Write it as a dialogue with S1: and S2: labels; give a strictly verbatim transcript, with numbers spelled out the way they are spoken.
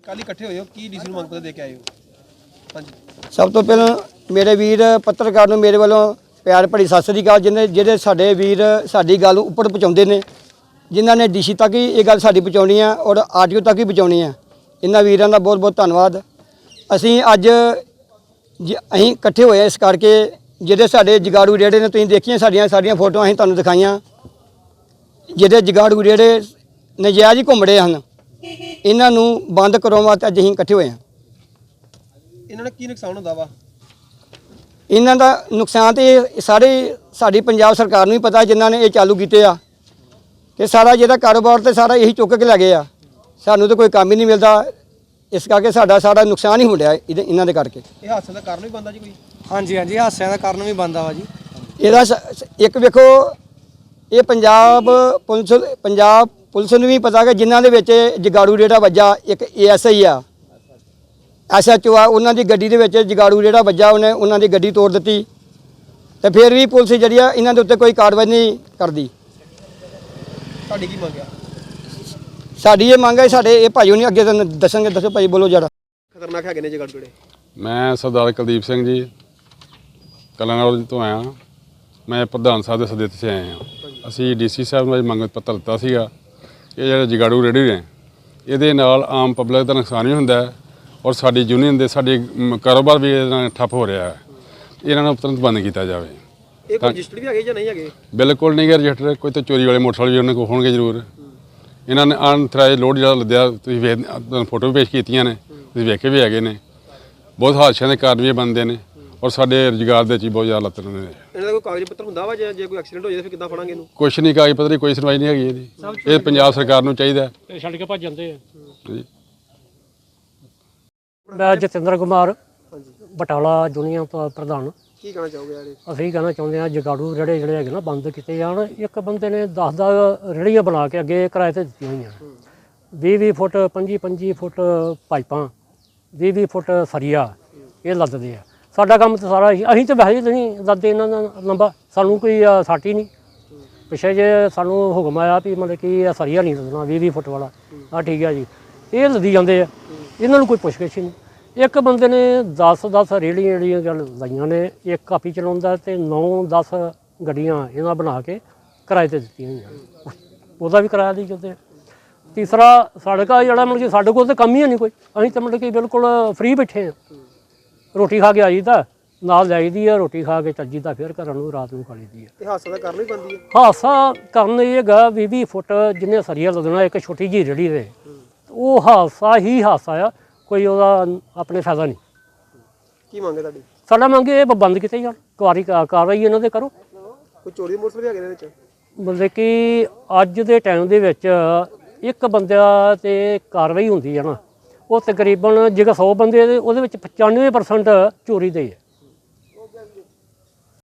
S1: ਕੱਲ ਇਕੱਠੇ ਹੋਏ ਹੋ ਕੀ ਡੀਸੀ ਨੂੰ ਮੰਗ ਪੱਤਰ ਦੇ ਕੇ ਆਏ ਹੋ? ਹਾਂਜੀ
S2: ਸਭ ਤੋਂ ਪਹਿਲਾਂ ਮੇਰੇ ਵੀਰ ਪੱਤਰਕਾਰ ਨੂੰ ਮੇਰੇ ਵੱਲੋਂ ਪਿਆਰ ਭਰੀ ਸਤਿ ਸ੍ਰੀ ਅਕਾਲ। ਜਿਹਨੇ ਜਿਹੜੇ ਸਾਡੇ ਵੀਰ ਸਾਡੀ ਗੱਲ ਉੱਪਰ ਪਹੁੰਚਾਉਂਦੇ ਨੇ, ਜਿਨ੍ਹਾਂ ਨੇ ਡੀਸੀ ਤੱਕ ਹੀ ਇਹ ਗੱਲ ਸਾਡੀ ਪਹੁੰਚਾਉਣੀ ਆ ਔਰ ਆਡੀਓ ਤੱਕ ਹੀ ਪਹੁੰਚਾਉਣੀ ਆ, ਇਹਨਾਂ ਵੀਰਾਂ ਦਾ ਬਹੁਤ ਬਹੁਤ ਧੰਨਵਾਦ। ਅਸੀਂ ਅੱਜ ਅਸੀਂ ਇਕੱਠੇ ਹੋਏ ਇਸ ਕਰਕੇ ਜਿਹੜੇ ਸਾਡੇ ਜਗਾੜੂ ਰੇੜੇ ਨੇ, ਤੁਸੀਂ ਦੇਖੀਆਂ ਸਾਡੀਆਂ ਸਾਡੀਆਂ ਫੋਟੋਆਂ ਅਸੀਂ ਤੁਹਾਨੂੰ ਦਿਖਾਈਆਂ, ਜਿਹੜੇ ਜਗਾੜੂ ਰੇੜੇ ਨਜਾਇਜ਼ ਹੀ ਘੁੰਮ ਰਹੇ ਹਨ, ਇਹਨਾਂ ਨੂੰ ਬੰਦ ਕਰਾਉਣ ਵਾਸਤੇ ਅੱਜ ਅਸੀਂ ਇਕੱਠੇ ਹੋਏ ਹਾਂ।
S1: ਇਹਨਾਂ ਦਾ ਕੀ ਨੁਕਸਾਨ ਹੁੰਦਾ ਵਾ?
S2: ਇਹਨਾਂ ਦਾ ਨੁਕਸਾਨ ਤੇ ਸਾਰੇ ਸਾਡੀ ਪੰਜਾਬ ਸਰਕਾਰ ਨੂੰ ਹੀ ਪਤਾ, ਜਿਨ੍ਹਾਂ ਨੇ ਇਹ ਚਾਲੂ ਕੀਤੇ ਆ, ਕਿ ਸਾਰਾ ਜਿਹੜਾ ਕਾਰੋਬਾਰ ਤੇ ਸਾਰਾ ਇਹੀ ਚੁੱਕ ਕੇ ਲੈ ਗਏ ਆ। ਸਾਨੂੰ ਤਾਂ ਕੋਈ ਕੰਮ ਹੀ ਨਹੀਂ ਮਿਲਦਾ, ਇਸ ਕਰਕੇ ਸਾਡਾ ਸਾਰਾ ਨੁਕਸਾਨ ਹੀ ਹੋ ਰਿਹਾ ਇਹਨਾਂ ਦੇ ਕਰਕੇ।
S1: ਇਹ ਹਾਦਸੇ ਦਾ ਕਾਰਨ ਵੀ ਬਣਦਾ ਜੀ ਕੋਈ?
S3: ਹਾਂਜੀ ਹਾਂਜੀ ਹਾਦਸਿਆਂ ਦਾ ਕਾਰਨ ਵੀ ਬਣਦਾ ਵਾ ਜੀ।
S2: ਇਹਦਾ ਇੱਕ ਵੇਖੋ, ਇਹ ਪੰਜਾਬ ਪੁਲਿਸ ਪੰਜਾਬ ਪੁਲਿਸ ਨੂੰ ਵੀ ਪਤਾ ਕਿ ਜਿਨ੍ਹਾਂ ਦੇ ਵਿੱਚ ਜਗਾੜੂ ਰੇੜਾ ਵੱਜਾ, ਇੱਕ ਏ ਐਸ ਆਈ ਆ, ਐਸ ਐਚ ਓ ਆ, ਉਹਨਾਂ ਦੀ ਗੱਡੀ ਦੇ ਵਿੱਚ ਜਗਾੜੂ ਰੇੜਾ ਵੱਜਾ, ਉਹਨੇ ਉਹਨਾਂ ਦੀ ਗੱਡੀ ਤੋੜ ਦਿੱਤੀ, ਤੇ ਫਿਰ ਵੀ ਪੁਲਿਸ ਜਿਹੜੀ ਆ ਇਹਨਾਂ ਦੇ ਉੱਤੇ ਕੋਈ ਕਾਰਵਾਈ ਨਹੀਂ ਕਰਦੀ।
S1: ਤੁਹਾਡੀ ਕੀ ਮੰਗ ਆ?
S2: ਸਾਡੀ ਇਹ ਮੰਗ ਹੈ, ਸਾਡੇ ਇਹ ਭਾਈ ਨਹੀਂ ਅੱਗੇ ਤੁਹਾਨੂੰ ਦੱਸਣਗੇ। ਦੱਸੋ ਭਾਈ, ਬੋਲੋ ਜਰਾ।
S1: ਖਤਰਨਾਕ ਹੈਗੇ ਨੇ ਜਗਾੜੂ ਰੇੜੇ?
S4: ਮੈਂ ਸਰਦਾਰ ਕੁਲਦੀਪ ਸਿੰਘ ਜੀ ਕਲਾਨੌਰ ਤੋਂ ਆਇਆ। ਮੈਂ ਪ੍ਰਧਾਨ ਸਾਹਿਬ ਦੇ ਸੱਦੇ 'ਤੇ ਆਏ ਹਾਂ। ਅਸੀਂ ਡੀ ਸੀ ਸਾਹਿਬ ਨੂੰ ਅੱਜ ਮੰਗ ਪੱਤਰ ਦਿੱਤਾ ਸੀਗਾ। ਇਹ ਜਿਹੜੇ ਜਗਾੜੂ ਰੇੜੀ ਨੇ, ਇਹਦੇ ਨਾਲ ਆਮ ਪਬਲਿਕ ਦਾ ਨੁਕਸਾਨ ਵੀ ਹੁੰਦਾ ਹੈ ਔਰ ਸਾਡੀ ਯੂਨੀਅਨ ਦੇ ਸਾਡੇ ਕਾਰੋਬਾਰ ਵੀ ਇਹਦੇ ਨਾਲ ਠੱਪ ਹੋ ਰਿਹਾ ਹੈ। ਇਹਨਾਂ ਨੂੰ ਤੁਰੰਤ ਬੰਦ ਕੀਤਾ ਜਾਵੇ।
S1: ਇਹ ਕੋਈ ਰਜਿਸਟਰ ਵੀ ਹੈਗੇ ਜਾਂ ਨਹੀਂ ਹੈਗੇ?
S4: ਬਿਲਕੁਲ ਨਹੀਂ ਗੇ ਰਜਿਸਟਰ। ਕੋਈ ਤਾਂ ਚੋਰੀ ਵਾਲੇ ਮੋਟਰਸਾਈਕਲ ਵੀ ਉਹਨਾਂ ਕੋਲ ਹੋਣਗੇ ਜ਼ਰੂਰ। ਇਹਨਾਂ ਨੇ ਅਨਥਰਾਈਜ਼ ਲੋਡ ਜਿਹੜਾ ਲੱਦਿਆ, ਤੁਸੀਂ ਵੇਖ ਤੁਹਾਨੂੰ ਫੋਟੋ ਵੀ ਪੇਸ਼ ਕੀਤੀਆਂ ਨੇ, ਤੁਸੀਂ ਵੇਖੇ ਵੀ ਹੈਗੇ ਨੇ। ਬਹੁਤ ਹਾਦਸਿਆਂ ਦੇ ਕਾਰਨ ਵੀ ਬਣਦੇ ਨੇ ਔਰ ਸਾਡੇ ਰੁਜ਼ਗਾਰ ਦੇ 'ਚ ਬਹੁਤ ਜ਼ਿਆਦਾ ਲੱਤ ਨੇ।
S1: ਇਹਨਾਂ ਦਾ ਕੋਈ ਕਾਗਜ਼ ਪੱਤਰ ਹੁੰਦਾ ਵਾ? ਜੇ ਕੋਈ ਐਕਸੀਡੈਂਟ ਹੋ ਜਾਏ ਫਿਰ ਕਿੱਦਾਂ ਫੜਾਂਗੇ ਇਹਨੂੰ?
S4: ਕੁਛ ਨਹੀਂ, ਕਾਗਜ਼ ਪੱਤਰ ਦੀ ਕੋਈ ਸੁਣਵਾਈ ਨਹੀਂ ਹੈਗੀ ਇਹਦੀ। ਇਹ ਪੰਜਾਬ ਸਰਕਾਰ ਨੂੰ ਚਾਹੀਦਾ।
S5: ਇਹ ਛੱਡ ਕੇ ਭੱਜ ਜਾਂਦੇ ਆ
S4: ਜੀ।
S5: ਮੈਂ ਜਤਿੰਦਰ ਕੁਮਾਰ, ਬਟਾਲਾ ਯੂਨੀਅਨ ਤੋਂ ਪ੍ਰਧਾਨ।
S1: ਕੀ ਕਹਿਣਾ ਚਾਹੋਗੇ ਯਾਰ?
S5: ਅਸੀਂ ਕਹਿਣਾ ਚਾਹੁੰਦੇ ਹਾਂ ਜਗਾੜੂ ਰੇੜੇ ਜਿਹੜੇ ਹੈਗੇ ਨਾ ਬੰਦ ਕੀਤੇ ਜਾਣ। ਇੱਕ ਬੰਦੇ ਨੇ ਦਸ ਦਸ ਰੇੜੀਆਂ ਬਣਾ ਕੇ ਅੱਗੇ ਕਿਰਾਏ 'ਤੇ ਦਿੱਤੀਆਂ ਹੋਈਆਂ, ਵੀਹ ਵੀਹ ਫੁੱਟ ਪੰਜੀ ਪੰਜੀ ਫੁੱਟ ਪਾਈਪਾਂ, ਵੀਹ ਵੀਹ ਫੁੱਟ ਸਰੀਆ ਇਹ ਲੱਦਦੇ ਆ। ਸਾਡਾ ਕੰਮ ਤਾਂ ਸਾਰਾ ਹੀ, ਅਸੀਂ ਤਾਂ ਵੈਸੇ ਨਹੀਂ ਲੱਦਦੇ ਇਹਨਾਂ ਦਾ ਲੰਬਾ, ਸਾਨੂੰ ਕੋਈ ਸੱਟ ਹੀ ਨਹੀਂ। ਪਿੱਛੇ ਜੇ ਸਾਨੂੰ ਹੁਕਮ ਆਇਆ ਵੀ ਮਤਲਬ ਕਿ ਇਹ ਸਰੀਆ ਨਹੀਂ ਲੱਦਣਾ ਵੀਹ ਵੀਹ ਫੁੱਟ ਵਾਲਾ, ਆਹ ਠੀਕ ਹੈ ਜੀ, ਇਹ ਲੱਦੀ ਜਾਂਦੇ ਆ। ਇਹਨਾਂ ਨੂੰ ਕੋਈ ਪੁੱਛ-ਗਿੱਛ ਨਹੀਂ। ਇੱਕ ਬੰਦੇ ਨੇ ਦਸ ਦਸ ਰੇਹੜੀਆਂ ਜਿਹੜੀਆਂ ਗੱਲ ਲਾਈਆਂ ਨੇ, ਇੱਕ ਕਾਪੀ ਚਲਾਉਂਦਾ ਤੇ ਨੌ ਦਸ ਗੱਡੀਆਂ ਇਹਨਾਂ ਬਣਾ ਕੇ ਕਿਰਾਏ 'ਤੇ ਦਿੱਤੀਆਂ ਹੋਈਆਂ, ਉਹਦਾ ਵੀ ਕਿਰਾਇਆ ਦੇ ਜਾਂਦੇ। ਤੀਸਰਾ ਸੜਕਾ ਜਿਹੜਾ ਮਤਲਬ ਕਿ ਸਾਡੇ ਕੋਲ ਤਾਂ ਕੰਮ ਹੀ ਨਹੀਂ ਕੋਈ, ਅਸੀਂ ਤਾਂ ਮਤਲਬ ਕਿ ਬਿਲਕੁਲ ਫ੍ਰੀ ਬੈਠੇ ਹਾਂ। ਰੋਟੀ ਖਾ ਕੇ ਆਈ ਦਾ, ਨਾਲ ਜਾਈਦੀ ਆ, ਰੋਟੀ ਖਾ ਕੇ ਚੱਜੀ ਦਾ, ਫਿਰ ਘਰਾਂ ਨੂੰ ਰਾਤ ਨੂੰ ਖਾ ਲਈਦੀ ਆ।
S1: ਇਹ ਹਾਦਸੇ ਦਾ ਕਾਰਨ ਵੀ ਬਣਦੀ ਹੈ?
S5: ਹਾਦਸਾ ਕਾਰਨ ਇਹ ਹੈਗਾ ਵੀਹ ਵੀਹ ਫੁੱਟ ਜਿੰਨੇ ਸਰੀਆ ਲੱਦਣਾ ਇੱਕ ਛੋਟੀ ਜਿਹੀ ਰੇਹੜੀ ਦੇ, ਉਹ ਹਾਦਸਾ ਹੀ ਹਾਦਸਾ ਆ, ਕੋਈ ਉਹਦਾ ਆਪਣੇ ਫਾਇਦਾ ਨਹੀਂ।
S1: ਕੀ ਮੰਗ ਹੈ ਤੁਹਾਡੀ?
S5: ਸਾਡਾ ਮੰਗ ਇਹ ਬੰਦ ਕੀਤੇ ਜਾਣ, ਕਾਰੀ ਕਾਰਵਾਈ ਇਹਨਾਂ ਦੇ ਕਰੋ।
S1: ਕੋਈ ਚੋਰੀ ਦੇ ਮੋਟਰਸਾਈਕਲ ਵੀ ਹੈਗੇ ਨੇ ਵਿੱਚ?
S5: ਮਤਲਬ ਕਿ ਅੱਜ ਦੇ ਟਾਈਮ ਦੇ ਵਿੱਚ ਇੱਕ ਬੰਦਾ ਤੇ ਕਾਰਵਾਈ ਹੁੰਦੀ ਹੈ ਨਾ, ਉਹ ਤਕਰੀਬਨ ਜੇਕਰ ਸੌ ਬੰਦੇ ਉਹਦੇ ਵਿੱਚ ਪਚਾਨਵੇਂ ਪਰਸੈਂਟ ਚੋਰੀ ਦੇ ਹੈ।